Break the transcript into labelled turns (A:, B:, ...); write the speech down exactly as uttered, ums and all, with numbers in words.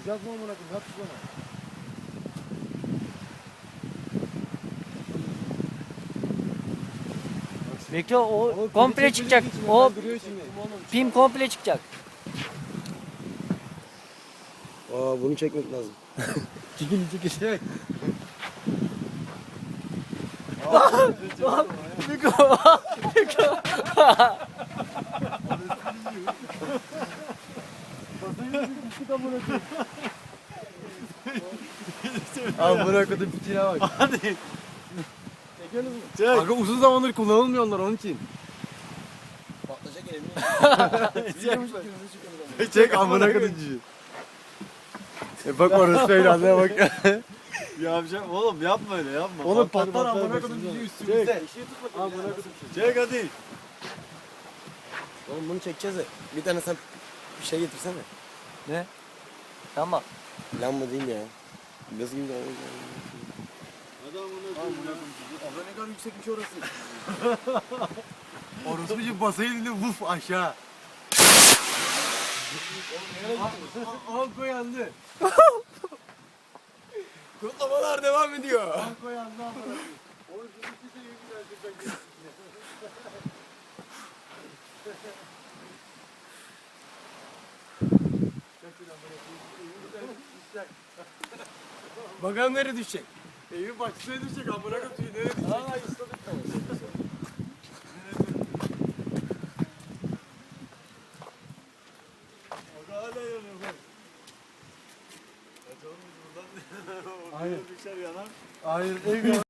A: Sıcak mı amına koyayım? Yap şu bana.
B: Bekle o
A: Ama
B: komple
A: kedi
B: çıkacak.
A: çekmediği için
B: O
A: hemen duruyor şimdi.
B: pim komple çıkacak.
A: Aa bunu çekmek lazım. Çekil çekil. Çek.
B: Miko. Miko.
A: Abi bırak o da fikire bak.
C: Hadi.
A: Çek. Aga uzun zamandır kullanılmıyor onlar onun için.
D: Patlayacak elini.
A: Çek. Çek amına koyayım. E bak orası evladına bak.
C: Yapacağım oğlum, yapma öyle, yapma.
A: Oğlum
C: Patlar,
A: patlar
C: patlar
A: amına
C: bak
A: koyayım
C: şimdi.
A: bizi üstümüzde.
C: Amına koydum. Çek hadi.
D: Oğlum bunu çekeceğiz de. Bir tane sen bir şey getirsene.
B: Ne? Tamam.
D: Lamba değil ya. Nasıl gibi lamba?
C: Hadi amına koydum.
D: Abla ne kadar yüksekmiş orası.
A: Orospucu basayı dinle vuf aşağı. Anko yandı.
D: Kutlamalar devam ediyor.
A: Anko yandı amına. Oğlum bizim kimse iyi güzel.
D: Bakalım nereye düşecek.
A: Evin bahçesine düşecek amına koyayım. Nereye düşecek?
D: Aa istedik tamam.
C: Aga hala yanıyor bak. Kaçalım biz buradan.
A: Hayır.
C: Düşer yanar.
A: Hayır ev